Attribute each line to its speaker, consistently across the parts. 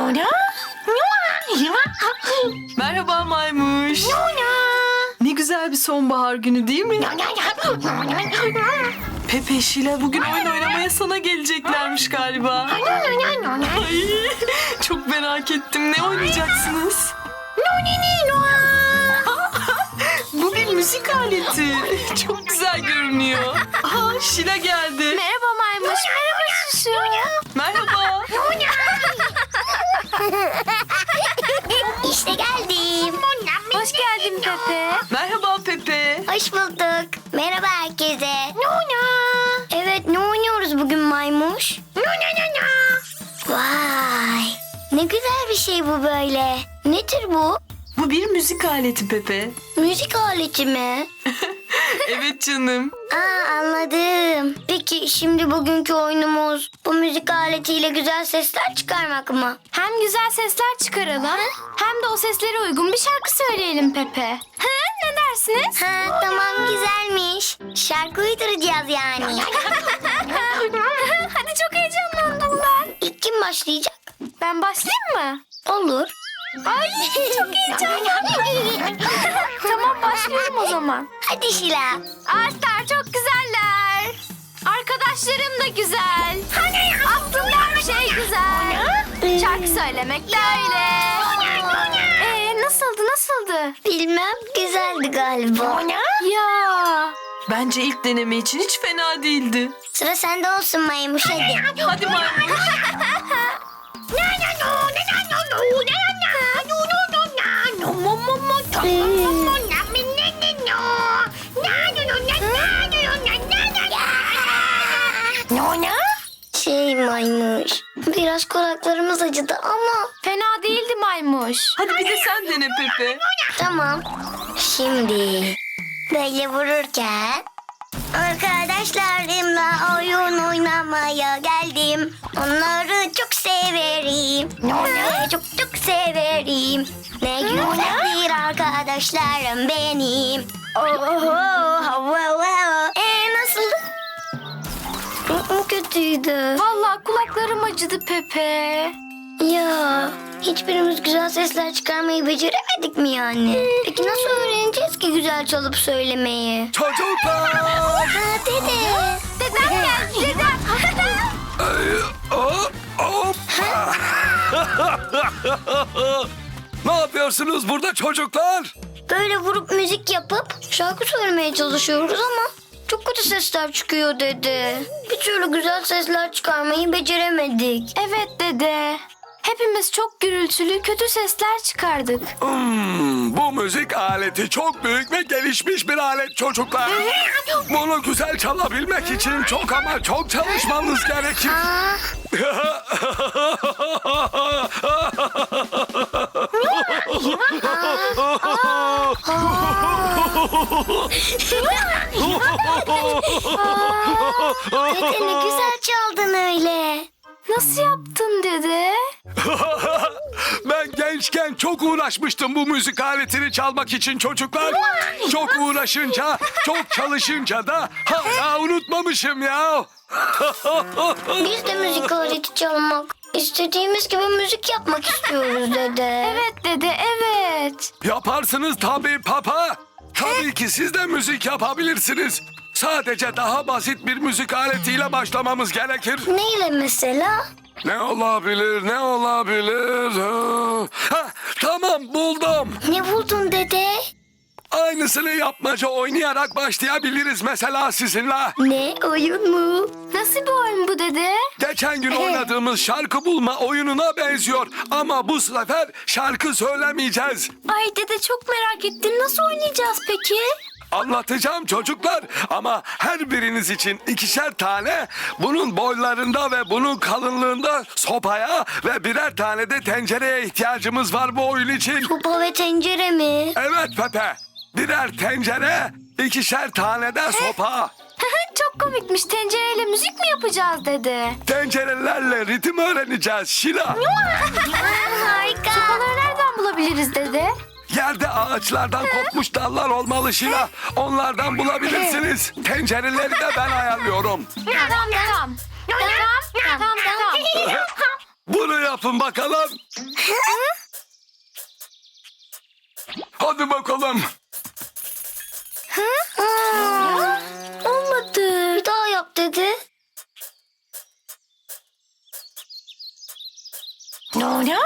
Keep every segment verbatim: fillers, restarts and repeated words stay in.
Speaker 1: Merhaba Maymuş. Ne güzel bir sonbahar günü değil mi? Pepe, Şila bugün oyun oynamaya sana geleceklermiş galiba. Ay, çok merak ettim. Ne oynayacaksınız? Bu bir müzik aleti. Çok güzel görünüyor. Aa, Şila geldi.
Speaker 2: Merhaba Maymuş. Merhaba Şuşu.
Speaker 1: Merhaba.
Speaker 3: İşte geldim.
Speaker 2: Hoş geldin Pepe.
Speaker 1: Merhaba Pepe.
Speaker 3: Hoş bulduk. Merhaba herkese. Evet, ne oynuyoruz bugün Maymuş? Vay. Ne güzel bir şey bu böyle. Nedir bu?
Speaker 1: Bu bir müzik aleti Pepe.
Speaker 3: Müzik aleti mi?
Speaker 1: Evet canım.
Speaker 3: Aa, anladım. Peki şimdi bugünkü oyunumuz bu müzik aletiyle güzel sesler çıkarmak mı?
Speaker 2: Hem güzel sesler çıkaralım hem de o seslere uygun bir şarkı söyleyelim Pepe. Ha, ne dersiniz?
Speaker 3: Ha, tamam, güzelmiş. Şarkı uyduracağız yani.
Speaker 2: Hadi, çok heyecanlandım ben.
Speaker 3: İlk kim başlayacak?
Speaker 2: Ben başlayayım mı?
Speaker 3: Olur.
Speaker 2: Ay, çok heyecanlandım. Tamam, başlıyorum o zaman.
Speaker 3: Hadi Şila.
Speaker 2: Ağaçlar çok güzeller. Arkadaşlarım da güzel. Aslında her şey güzel. Şarkı söylemek de öyle. Ee, nasıldı nasıldı?
Speaker 3: Bilmem, güzeldi galiba.
Speaker 2: Ya.
Speaker 1: Bence ilk deneme için hiç fena değildi.
Speaker 3: Sıra sende olsun Maymuş, hadi.
Speaker 1: Hadi Maymuş.
Speaker 3: Şey Maymuş, biraz kulaklarımız acıdı ama
Speaker 2: Fena değildi Maymuş.
Speaker 1: Hadi bir de sen dene Pepe.
Speaker 3: tamam. Şimdi böyle vururken arkadaşlarımla oyun oynamaya geldim. Onları çok severim. Onları çok çok severim. Ne güzeldir arkadaşlarım benim. Oho, Ee, nasıldı? Hı, kötüydü.
Speaker 2: Vallahi kulaklarım acıdı Pepe.
Speaker 3: Ya hiçbirimiz güzel sesler çıkarmayı beceremedik mi yani? Peki nasıl öğreneceğiz ki güzel çalıp söylemeyi?
Speaker 4: Çocuklar!
Speaker 3: Ha dede.
Speaker 2: Dedem geldi dedem.
Speaker 4: Hop, hop. Ne yapıyorsunuz burada çocuklar?
Speaker 3: Böyle vurup müzik yapıp şarkı söylemeye çalışıyoruz ama çok kötü sesler çıkıyor dede. Bir türlü güzel sesler çıkarmayı beceremedik.
Speaker 2: Evet dede. Hepimiz çok gürültülü kötü sesler çıkardık.
Speaker 4: Hmm, bu müzik aleti çok büyük ve gelişmiş bir alet çocuklar. Bunu güzel çalabilmek için çok ama çok çalışmanız gerekir.
Speaker 3: Dede ne güzel çaldın öyle.
Speaker 2: Nasıl yaptın dede?
Speaker 4: Ben gençken çok uğraşmıştım bu müzik aletini çalmak için çocuklar. Çok uğraşınca, çok çalışınca da hala unutmamışım ya.
Speaker 3: Biz de müzik aleti çalmak, istediğimiz gibi müzik yapmak istiyoruz dede.
Speaker 2: Evet dede evet.
Speaker 4: Yaparsınız tabii papa. Tabii ki siz de müzik yapabilirsiniz. Sadece daha basit bir müzik aletiyle başlamamız gerekir.
Speaker 3: Neyle mesela?
Speaker 4: Ne olabilir, ne olabilir? Ha, tamam buldum.
Speaker 3: Ne buldun dede?
Speaker 4: Aynısını yapmaca oynayarak başlayabiliriz mesela sizinle.
Speaker 3: Ne, oyun mu?
Speaker 2: Nasıl bir oyun bu dede?
Speaker 4: Geçen gün oynadığımız şarkı bulma oyununa benziyor. Ama bu sefer şarkı söylemeyeceğiz.
Speaker 2: Ay dede çok merak ettim. Nasıl oynayacağız peki?
Speaker 4: Anlatacağım çocuklar ama her biriniz için ikişer tane bunun boylarında ve bunun kalınlığında sopaya ve birer tane de tencereye ihtiyacımız var bu oyun için.
Speaker 3: Sopa ve tencere mi?
Speaker 4: Evet Pepe, birer tencere, ikişer tane de sopa.
Speaker 2: Çok komikmiş. Tencereyle müzik mi yapacağız dede?
Speaker 4: Tencerelerle ritim öğreneceğiz Şila.
Speaker 3: Aa, harika.
Speaker 2: Sopaları nereden bulabiliriz dede?
Speaker 4: Yerde ağaçlardan kopmuş dallar olmalı Şila. Onlardan bulabilirsiniz. Tencereleri de ben ayarlıyorum.
Speaker 2: Tamam tamam. Tamam tamam tamam.
Speaker 4: Bunu yapın bakalım. Hadi bakalım.
Speaker 3: Aa, olmadı. Bir daha yap dedi.
Speaker 2: Nona?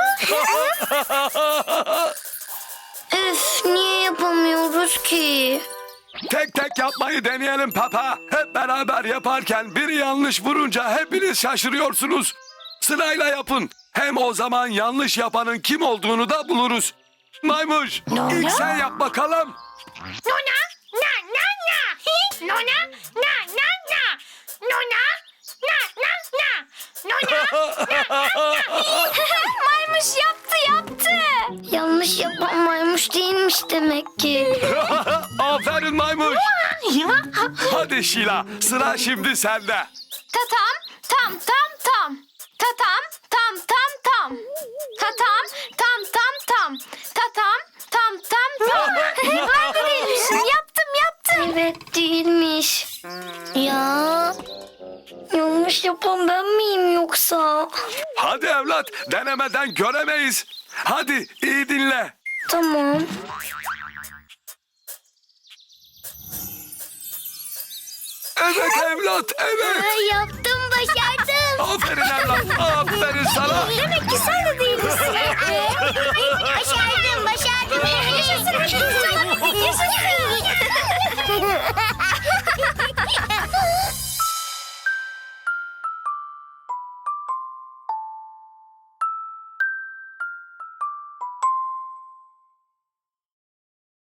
Speaker 3: Üf, niye yapamıyoruz ki?
Speaker 4: Tek tek yapmayı deneyelim Papa. Hep beraber yaparken biri yanlış vurunca hepiniz şaşırıyorsunuz. Sırayla yapın. Hem o zaman yanlış yapanın kim olduğunu da buluruz. Maymuş, ilk sen yap bakalım.
Speaker 2: Nona? Na na na. Hi, Nona? Na na na. Nona? Na na na. Nona? Maymuş yaptı yaptı.
Speaker 3: Yanlış yapan maymuş değilmiş demek ki.
Speaker 4: Aferin Maymuş. Hadi Şila, sıra şimdi sende.
Speaker 2: Tatam tam tam tam. Tatam tam tam tam. Tatam tam tam tam. Tatam tam tam tam. Ben de değilmişim. Yaptım yaptım.
Speaker 3: Evet değilmiş. Ya yanlış yapan ben miyim yoksa?
Speaker 4: Hadi evlat, denemeden göremeyiz. Hadi iyi dinle.
Speaker 3: Tamam.
Speaker 4: Evet evlat, evet.
Speaker 3: Ay, yaptım başardım.
Speaker 4: Aferin evlat, aferin sana.
Speaker 2: Demek ki sen de değilmişsin.
Speaker 3: Başardım başardım.
Speaker 2: Yaşasın. Yaşasın.